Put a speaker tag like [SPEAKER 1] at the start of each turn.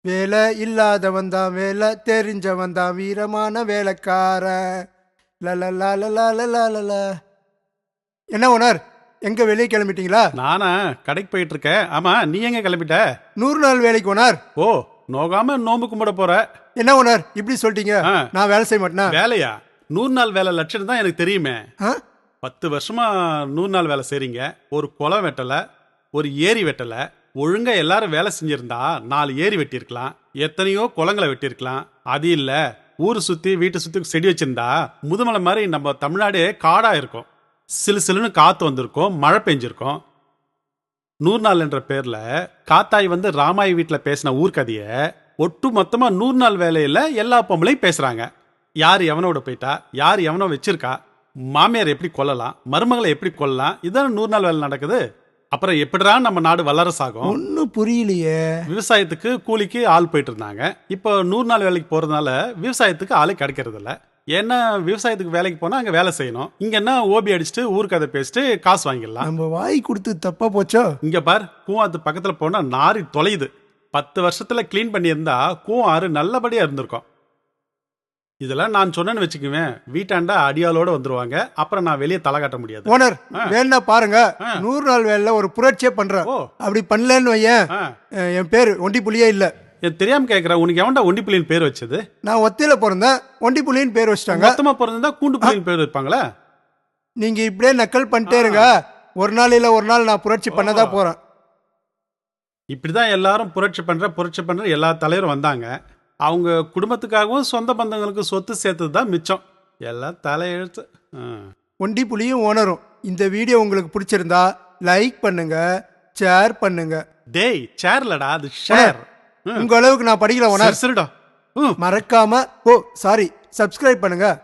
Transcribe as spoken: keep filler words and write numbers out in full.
[SPEAKER 1] வேலை இல்லாதவன் தான் வேலை தெரிஞ்சவன் தான் வீரமான வேலைக்காரன். லலலலலலலலல. என்ன ஓனர், எங்க வெளியே கிளம்பிட்டீங்களா?
[SPEAKER 2] நானா கடைக்கு போயிட்டு இருக்கேன். ஆமா, நீ எங்க கிளம்பிட்ட?
[SPEAKER 1] நூறு நாள் வேலைக்கு ஓனர்.
[SPEAKER 2] ஓ, நோகாம நோம்பு கும்பிட போற?
[SPEAKER 1] என்ன ஓனர் இப்படி சொல்லிட்டீங்க?
[SPEAKER 2] ஆ.
[SPEAKER 1] நான் வேலை செய்ய மாட்டேனா?
[SPEAKER 2] வேலையா? நூறு நாள் வேலை லட்சம் தான் எனக்கு தெரியுமே.
[SPEAKER 1] ஆ?
[SPEAKER 2] பத்து வருஷமா நூறு நாள் வேலை செய்றீங்க. ஒரு குளம் வெட்டல, ஒரு ஏரி வெட்டல. ஒழுங்கா எல்லாரும் வேலை செஞ்சிருந்தா நாலு ஏரி வெட்டியிருக்கலாம், எத்தனையோ குளங்களை வெட்டியிருக்கலாம். அது இல்ல, ஊரு சுத்தி வீட்டை சுத்தி செடி வச்சிருந்தா முதுமலை மாதிரி நம்ம தமிழ்நாடே காடா இருக்கும். சிலு சிலுன்னு காத்து வந்திருக்கும், மழை பெஞ்சிருக்கும். நூறு நாள் என்ற பேர்ல காத்தாய் வந்து ராமாய் வீட்டுல பேசின ஊர்க்கதைய ஒட்டு மொத்தமா நூறு நாள் வேலையில எல்லா பொம்பளையும் பேசுறாங்க. யார் எவனோட போயிட்டா, யார் எவனோ வச்சிருக்கா, மாமியார் எப்படி கொல்லலாம், மருமகளை எப்படி கொல்லலாம், இதான் நூறு நாள் வேலை நடக்குது. அப்புறம் எப்படிடா நம்ம நாடு வல்லரசாகும்?
[SPEAKER 1] ஒன்னும் புரியலையே.
[SPEAKER 2] விவசாயத்துக்கு கூலிக்கு ஆள் போயிட்டு இருந்தாங்க. இப்போ நூறு நாள் வேலைக்கு போறதுனால விவசாயத்துக்கு ஆளே கிடைக்கிறது இல்ல. ஏன்னா விவசாயத்துக்கு வேலைக்கு போனா அங்க வேலை செய்யணும். இங்க என்ன ஓபி அடிச்சுட்டு ஊர்க்கதை பேசிட்டு காசு வாங்கிடலாம்.
[SPEAKER 1] நம்ம வாய் கொடுத்து தப்பா போச்சோ?
[SPEAKER 2] இங்க பார், கூவாத்து பக்கத்துல போனா நாரி தொலையுது. பத்து வருஷத்துல கிளீன் பண்ணியிருந்தா கூவம் ஆறு நல்லபடியா இருந்திருக்கும். இதெல்லாம் நான் சொன்னேன்னு வச்சுக்குவேன், வீட்டாண்டா அடியாளோட வந்துருவாங்க. அப்புறம் நான் வெளியே தலை காட்ட முடியாது.
[SPEAKER 1] ஓனர்
[SPEAKER 2] ஆ.
[SPEAKER 1] வேணா பாருங்க,
[SPEAKER 2] ஆ.
[SPEAKER 1] நூறு நாள் வேலையில ஒரு புரட்சியே பண்றேன்.
[SPEAKER 2] ஓ.
[SPEAKER 1] அப்படி பண்ணலன்னு வையேன்,
[SPEAKER 2] ஆ.
[SPEAKER 1] அஹ், என் பேர் ஒண்டி புலியே இல்ல.
[SPEAKER 2] என் தெரியாம கேக்குறேன், உனக்கு எவன்டா ஒண்டி புள்ளின்னு பேர் வச்சது?
[SPEAKER 1] நான் ஒத்தையில பிறந்தேன், ஒண்டி புலின்னு பேர் வச்சிட்டாங்க.
[SPEAKER 2] மொத்தமா பிறந்தா கூண்டு புள்ளின்னு பேர் வைப்பாங்களா?
[SPEAKER 1] நீங்க இப்படியே நக்கல் பண்ணிட்டே இருங்க, ஒரு நாள் இல்ல ஒரு நாள் நான் புரட்சி பண்ணதான் போறேன்.
[SPEAKER 2] இப்படிதான் எல்லாரும் புரட்சி பண்ற புரட்சி பண்ற எல்லா தலைவரும் வந்தாங்க. அவங்க குடும்பத்துக்காகவும் சொந்த பந்தங்களுக்கு சொத்து சேர்த்தது தான் மிச்சம். எல்லாம் தலையெழுத்து. ஆ.
[SPEAKER 1] ஒண்டி புலியும் ஓனரும். இந்த வீடியோ உங்களுக்கு பிடிச்சிருந்தா லைக் பண்ணுங்க, ஷேர் பண்ணுங்க.
[SPEAKER 2] டேய், சேர்லடா, அது ஷேர்.
[SPEAKER 1] உங்க அளவுக்கு நான் படிக்கல ஓனர்.
[SPEAKER 2] சரிடா. ம்.
[SPEAKER 1] மறக்காம ஓ சாரி சப்ஸ்கிரைப் பண்ணுங்க.